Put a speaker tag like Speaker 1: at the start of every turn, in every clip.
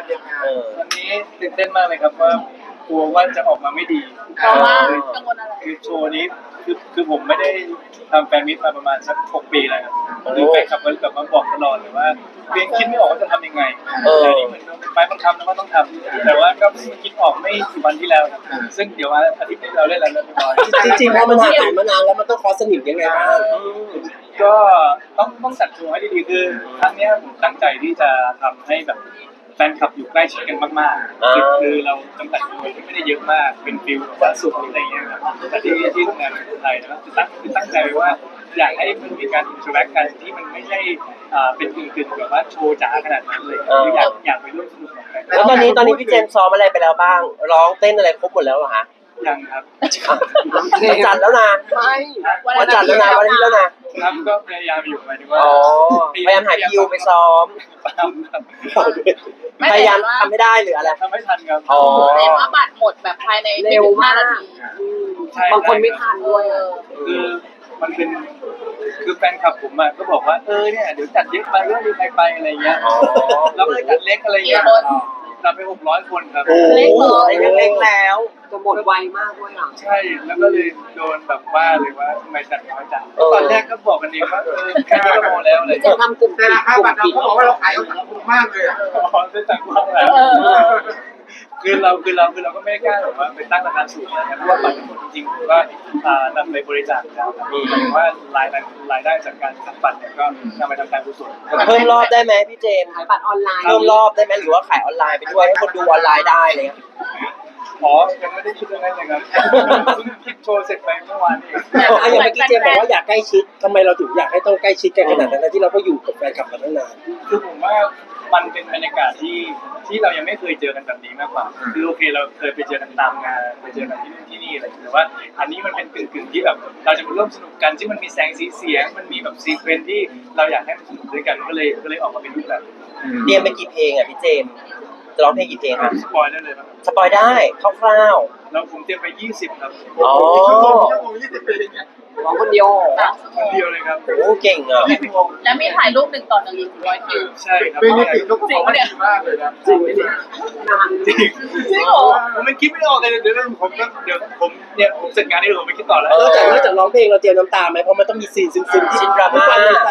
Speaker 1: ยังไง
Speaker 2: วันนี้ตื่นเต้นมากเลยครับว่ากลัวว่าจะออกมาไม่ดี
Speaker 3: เพราะว่ากังวลอะไร
Speaker 2: คือโชว์นี้คือผมไม่ได้ทำแฟนมิตมาประมาณสัก6 ปีแล้วครับคือแฟนคลับก็แบบมาบอกตลอดเลยว่าเพียงคิดไม่ออกว่าจะทำยังไงแต่นี่เหมือนเป็นไม้บังคับนะว่าต้องทำแต่ว่าก็เพิ่งคิดออกไม่กี่วันที่แล้วครับซึ่งเดี๋ยวอาทิตย์นี้เราเล่นแล้วเรียบร้อย
Speaker 4: จริงๆพอมันห่างหายมานานแล้วมันต้องคอสนิมยังไงบ้าง
Speaker 2: ก็ต้องจัดโชว์ให้ดีๆคือครั้งเนี้ยผมตั้งใจที่จะทำให้แบบแฟนคลับอยู่ใกล้ชิดกันมากๆคือเราจำกัดจำนวนที่ไม่ได้เยอะมากเป็นฟิลแบบว่าสุขอะไรอย่างเงี้ยครับแต่ที่ทำงานในไทยนะครับคือตั้งใจไว้ว่าอยากให้มันมีการอินเทอร์แอคกันที่มันไม่ใช่เป็นกึ่งๆแบบว่าโชว์จ๋าขนาดนั้นเลยคืออยากไปร่วมสนุกกับแฟน
Speaker 4: แล้วตอนนี้พี่เจมส์ซ้อมอะไรไปแล้วบ้างร้องเต้นอะไรครบหมดแล้วเหรอฮะ
Speaker 2: ยังครับ
Speaker 4: วันจันทร์แล้วนะวันจันทร์แล้วนะวันอาทิตย์แล้วนะครับ
Speaker 2: ก็พยายามอยู่หมายถึงว่า
Speaker 4: อ๋อพยายามหาคิวไปซ้อม
Speaker 2: ครับ
Speaker 4: พยายามทำไม่ได้หรืออะไร
Speaker 2: ทำไม่ทันครับ
Speaker 4: อ๋อ
Speaker 3: เห็นว่าบัตรหมดแบบภายในไม่ถึง5 นาที
Speaker 2: ใช่
Speaker 1: บางคนไม่ทันด้วย
Speaker 2: คือมันเป็นคือแฟนคลับผมอ่ะก็บอกว่าเนี่ยเดี๋ยวจัดเยอะไปก็มีใครไปอะไรเงี้ยแล้วเลยจัดเล็กอะไรเงี้ยจัดไป600 คนครับ
Speaker 4: โอ้เล็กเลยยังเล็กแล้ว
Speaker 1: จะหมดไวมากด้วยอ่ะ
Speaker 2: ใช่แล้วก็เลยโดนแบบว่าเลยว่าทำไมจัดน้อยจังตอนแรกก็บอกกันเองว่าแค่ก็พอแล้วอะไร
Speaker 1: จะ
Speaker 2: เงี้ย
Speaker 1: ทำกลุ่ม
Speaker 5: แต่ราคาบัตรเราเขาบอกว่าเราขายเอาสังคมมากเลยอ่ะ
Speaker 2: พอจะจัดความแล้วคือเราก็ไม่ได้กล้าแบบว่าไปตั้งราคาสูงนะครับเพราะว่าบัตรทั้งหมดจริงๆผมก็นำไปบริจาคแล้วครับหมายถึงว่ารายได้จากการขายบัตรเนี่ยก็นำไปทำการกุศล
Speaker 4: เพิ่มรอบได้ไหมพี่เจมส์
Speaker 1: ขายบัตรออนไลน์
Speaker 4: เพิ่มรอบได้ไหมหรือว่าขายออนไลน์ไปด้วยให้คนดูออนไลน์ได้อะไรเลย
Speaker 2: อ๋อยังไม่ได้คิดเรื่องนั้นเลยครับเพิ่งคิดโชว์เสร็จไปเมื่อวานเอง
Speaker 4: อย่างเมื่อกี้เจมส์บอกว่าอยากใกล้ชิดทำไมเราถึงอยากให้ต้องใกล้ชิดกันขนาดนั้นที่เราก็อยู่กับแฟนคลับมาตั้งนาน
Speaker 2: คือผมว่ามันเป็นบรรยากาศที่เรายังไม่เคยเจอกันแบบนี้มากกว่าคือโอเคเราเคยไปเจอกันตามงานไปเจอกันที่นู่นที่นี่อะไรแต่ว่าอันนี้มันเป็นกึ่งๆที่แบบเราจะมาร่วมสนุกกันที่มันมีแสงสีเสียงมันมีแบบซีเควนซ์ที่เราอยากให้มันสนุกด้วยกันก็เลยออกมาเป็นรูปแบบ
Speaker 4: เรียนไปกี่เพลงอ่ะพี่เจมส์จะร้องเพลงกี่เพลงครับ
Speaker 2: สปอยได้เลยครับ
Speaker 4: สปอยได้คร่าว
Speaker 2: แล้วผมเตรียมไป20ครับ
Speaker 4: ๆอ๋อ
Speaker 5: ชั่วโมง20 ปีเนี่ย
Speaker 1: ร้องคนเดียว
Speaker 2: คนเดียวเลยครับ
Speaker 4: โอ้เก่งอ่ะ
Speaker 3: แล้วมีถ่ายรูป1 ต่อ 1 อีก100 คิว
Speaker 2: ใช่ครับ
Speaker 5: ปีนี้ปิดลูกของมันดีมากเลยนะ
Speaker 1: จริงไหมเนี่ยนาน
Speaker 2: จริง
Speaker 3: จริงเหรอ
Speaker 2: ผมไม่คิดไม่ออกเลยเดี๋ยวผมเสร็จงานนี้ผมไม่คิดต่อแล้ว
Speaker 4: นอกจากร้องเพลงเราเตรียมน้ำตาไหมเพราะมันต้องมีซีนซึ้งๆที่ดราม่าในใจ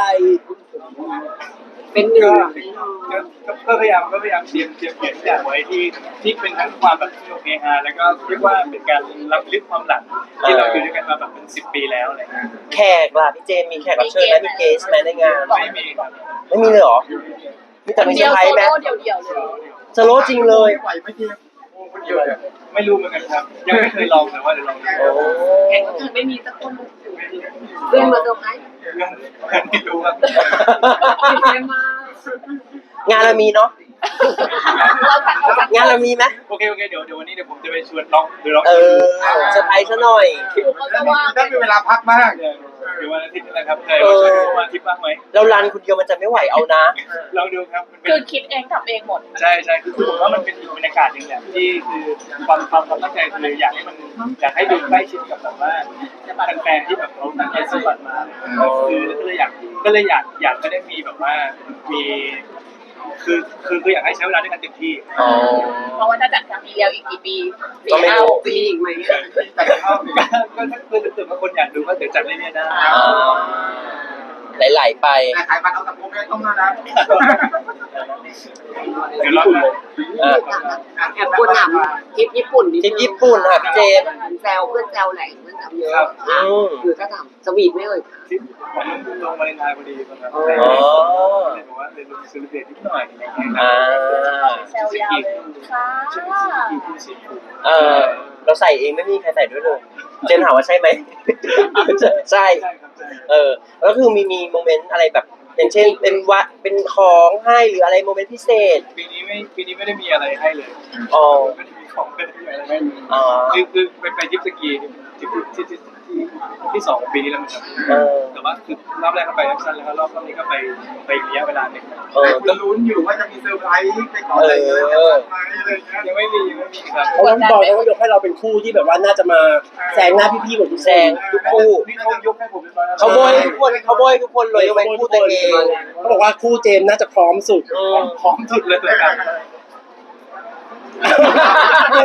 Speaker 1: เป็นหนึ่ง
Speaker 2: ก็พยายามเตรียมเขียนทุกอย่างไว้ที่เป็นทั้งความแบบสนุกเฮฮาแล้วก็เรียกว่าเป็นการรับลึกความหลังที่เราอยู่ด้วยกันมาแบบเป็น10 ปีแล้วอะไรเงี้ย
Speaker 4: แขกล่ะพี่เจมส์มีแขกรับเชิญไหมมีเกสไหมในงาน
Speaker 2: ไม่มีครับ
Speaker 4: ไม่มีเลยเหรอมีแต่มีเซ
Speaker 3: เดี
Speaker 4: อ
Speaker 3: ยว
Speaker 4: ร์ไพร
Speaker 3: โซ
Speaker 4: ส์ไหม
Speaker 3: โล่เดียวๆเลย
Speaker 4: สโลว์จริงเลย
Speaker 5: ไหวไม่จริงคนเดียวเลย
Speaker 2: ไม่รู้เหมือนกันครับ ยังไม่เคยลองแต่ว่าเดี๋ยวลองดู
Speaker 4: โอ้
Speaker 3: แข่งคนอื่นไม่มีสักคน
Speaker 1: เรื่องมาเซอร์ไพรส์
Speaker 2: ยังไม่รู้ครับ
Speaker 1: ตื่นเต้นมาก
Speaker 4: งานเรามีเนาะ
Speaker 3: เราจัด
Speaker 4: งานเรามีไหม
Speaker 2: โอเคเดี๋ยววันนี้เดี๋ยวผมจะไปชวนร้องหรือร้อง
Speaker 4: เออเซอร์ไพรส์ซะหน่อย
Speaker 3: เขาจะว่า
Speaker 5: ได้มีเวลาพักมาก
Speaker 2: เดี๋ยววันอาทิตย์นี่แหละครับแต่ว่าชวนวันอาทิตย์บ้างไหม
Speaker 4: เรารันคนเดียวมันจะไม่ไหวเอานะ
Speaker 2: ลองดูครับมันเป็น
Speaker 3: คือคิดเองทำเองหมด
Speaker 2: ใช่คือผมว่ามันเป็นอีกบรรยากาศหนึ่งแหละที่คือความตั้งใจคืออยากให้ดูใกล้ชิดกับแบบว่าแฟนๆที่แบบเขาตั้งใจซื้อบัตรมาคือก็เลยอยากไม่ได้มีแบบว่ามีคืออยากให้ใช้เวลาด้วยกันเต็มที่
Speaker 4: อ๋อ
Speaker 3: เพราะว่าถ้าจัดครั้งนี้แล้วอีกกี่ปี
Speaker 4: ก็ไม่รู้
Speaker 1: ปีอีกไหม
Speaker 5: แต่เข้าถึง
Speaker 2: ก็ถ้าเกิดว่าคนอยากดูก็เดี๋ยวจัดเรื่อยๆได้
Speaker 4: ไหลๆไป
Speaker 5: แต่ขายบัตรเอาสังคมไม่ต้องมานะ
Speaker 2: เดี๋ยวรอบหน้า
Speaker 1: แอบกวนถามทริปญี่ปุ่นนิด
Speaker 4: ทริ
Speaker 1: นึ
Speaker 4: ป
Speaker 1: ง
Speaker 4: ญี่ปุ่นค่ะพี่เจมส์
Speaker 1: แซวเพื่อนแซวแหล่งเพื่อนแซวเยอะหรือถ้าถามสวีทไม่เอ่ย
Speaker 2: ที่ผมลงวาเลนไทน์พอดีครับ
Speaker 4: อ๋อ
Speaker 2: เลยบอกว่าเลยลงซื้อเดทนิดหน่อยอะไรเงี้ย
Speaker 4: อ่า
Speaker 3: แซวยาวเลยค่ะ
Speaker 4: เออเราใส่เองไม่มีใครใส่ด้วยเลย เจนถามว่าใช่ไหม ใช่
Speaker 2: ใช่ครับใช่
Speaker 4: แล้วคือมีโมเมนต์อะไรแบบ อย่างเช่นเป็นของให้หรืออะไรโมเมนต์พิเศษ
Speaker 2: ปีนี้ไม่ได้มีอะไรให้เลย
Speaker 4: อ๋อ
Speaker 2: ไม่ได้มีของไม่ได้มีอะไรให้เลย
Speaker 4: อ๋อ
Speaker 2: คือไปทริปสกีที่2ของปีนี้แล้วมันจะ แต่ว่าคือรอบแรกก็ไปแอคชั่นแล้วรอบนี้ก็ไประยะเวลาหนึ่ง
Speaker 5: ก็ลุ้นอยู่ว่าจะมีเซอร์ไพรส์ไปขออะไรเงี้ยอะไรเงี้ย
Speaker 2: ยังไม่มีครับ
Speaker 4: เพราะว่าพี่บอยเขาก็ยกให้เราเป็นคู่ที่แบบว่าน่าจะมาแซงหน้าพี่ๆหมดทุกแซงทุกคู่
Speaker 2: นี่เขายกให้ผมเป็นร้อย
Speaker 4: เขาโบยทุกคนเลยยกเว้นคู่ตัวเองเขาบอกว่าคู่เจมส์น่าจะพร้อมสุด
Speaker 2: พร้อมสุดเลยตัวกัน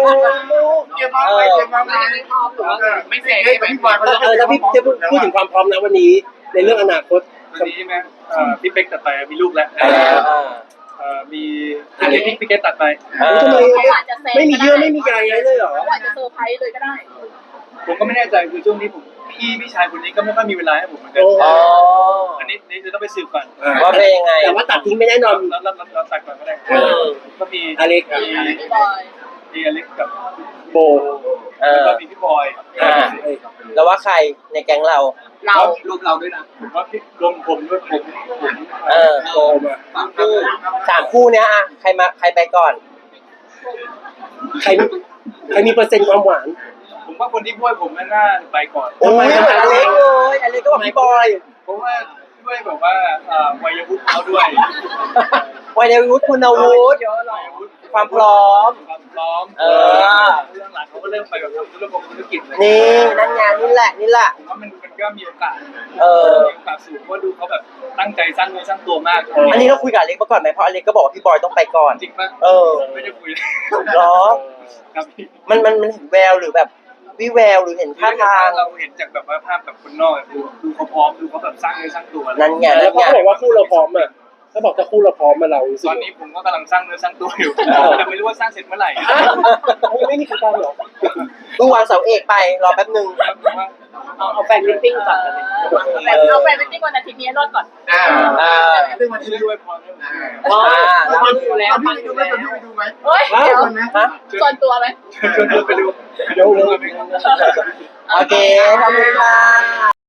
Speaker 4: ลูก
Speaker 5: เก็บมาไว้เก็บมาไว้
Speaker 1: ไม่พร้อมหรือว่าไม่เสร็จ
Speaker 5: พี่บอยเขา
Speaker 6: ถ้าพี่จะพูดถึงความพร้อมนะวันนี้ ในเรื่องอนาคต
Speaker 2: วันนี้ไหมพี่เป๊กตัดไปมีลูกแล้ว มีพี่เกตตัดไป
Speaker 6: ทำไม
Speaker 3: เขาอาจจะแซง
Speaker 6: ไม่มีเยื่อไม่มีใยอะไรเลยเหรอ
Speaker 3: เขาอาจจะเซอร์ไพรส์เลยก็ได้
Speaker 2: ผมก็ไม่แน่ใจคือช่วงนี้ผมพี่ชายคนนี้ก็ไม่ค่อยมีเวลาให้ผมเหมือนกัน
Speaker 4: อ๋อ
Speaker 2: อันนี้จะต้องไปสืบก่อน
Speaker 4: ว่าเป็นยังไง
Speaker 6: แต่ว่าตัดทิ้งไม่แน่นอน
Speaker 2: เราตัดก่อนก็ได้ก็มี
Speaker 6: อเล็ก
Speaker 3: พี่บอย
Speaker 2: มีอเล็กกับ
Speaker 6: โบ
Speaker 2: แล้วก็มีพี่บอย
Speaker 4: แล้วว่าใครในแก๊งเรา
Speaker 3: เรา
Speaker 1: รวมเราด้วยนะ
Speaker 2: ผมว่าพี่รวมผมด้วยผม
Speaker 6: โบมา
Speaker 1: สาม
Speaker 4: คู่3 คู่เนี้ยอะใครไปก่อน
Speaker 6: ใครมีเปอร์เซ็นต์ความหวาน
Speaker 2: ผมว่าคนที่พูดผมน่าไปก่อน
Speaker 4: โอ้ยเหมือนอเล็กเลยอเล็กก็บอกพี่บอย
Speaker 2: เพราะว่าด้วยแบบว่าวัยวุฒิเขาด้วย
Speaker 4: วัยเดวุฒิคุณวุฒิความพร้อม
Speaker 2: ความพร้อม
Speaker 4: เออ
Speaker 2: เรื่องหลังเขาก็เริ่มไปแบบทำธุรกิจเลย
Speaker 4: นี่นั่นงานนี่แหละ
Speaker 2: ผมว่ามันก็มีโอกาส
Speaker 4: เออ
Speaker 2: มีโอกาสสูงเพราะดูเขาแบบตั้งใจสร้างเนื้อสร้างตัวมาก
Speaker 4: อันนี้เราคุยกับอเล็กมาก่อนไหมเพราะอเล็กก็บอกว่าพี่บอยต้องไปก่อน
Speaker 2: จริงป่ะ
Speaker 4: เออ
Speaker 2: ไม่ได้คุย
Speaker 4: เหรอ
Speaker 2: ครับ
Speaker 4: มันเห็นแววหรือแบบวิแววหรือเห็นท่าทาง
Speaker 2: เราเห็นจากแบบว่าภาพแบบคนนอกดูเขาพร้อมดูเขาแบบสร้างเนื้อสร้างตัว
Speaker 4: นั่นไง
Speaker 6: แล้วเขาบอกว่าคู่เราพร้อมอ่ะถ้าบอกถ้าคู่เราพร้อมมาเรารู้สึก
Speaker 2: ตอนนี้ผมก็กำลังสร้างเนื้อสร้างตัวอยู่แต่ไม่รู้ว่าสร้างเสร็จเมื่อไหร่
Speaker 6: ยังไม่มีใครการหรอ
Speaker 4: เพิ่งวางเสาเอกไปรอแป๊บหนึ่ง
Speaker 1: เอาแฟนมิทติ้งก่อนกันเลย
Speaker 3: เอาแฟนมิตติ้งวันอาทิตย์นี้รอดก่อน
Speaker 5: ซึ่งวันนี้
Speaker 2: ช่วยด้วยพรด้วย
Speaker 1: ฟังอยู่แล้ว
Speaker 5: พี่
Speaker 1: ฟัง
Speaker 5: ไป
Speaker 1: อ
Speaker 5: ดู
Speaker 1: ยู่
Speaker 5: ไหม
Speaker 1: แล้ว
Speaker 5: พี่ไปดูไหม
Speaker 3: เฮ้ยเดี๋ยว
Speaker 4: ฮะ
Speaker 3: ส่วนตัวไหม
Speaker 2: ชวนไปดู
Speaker 6: เดี๋ยว
Speaker 4: โอเคขอบคุณค่ะ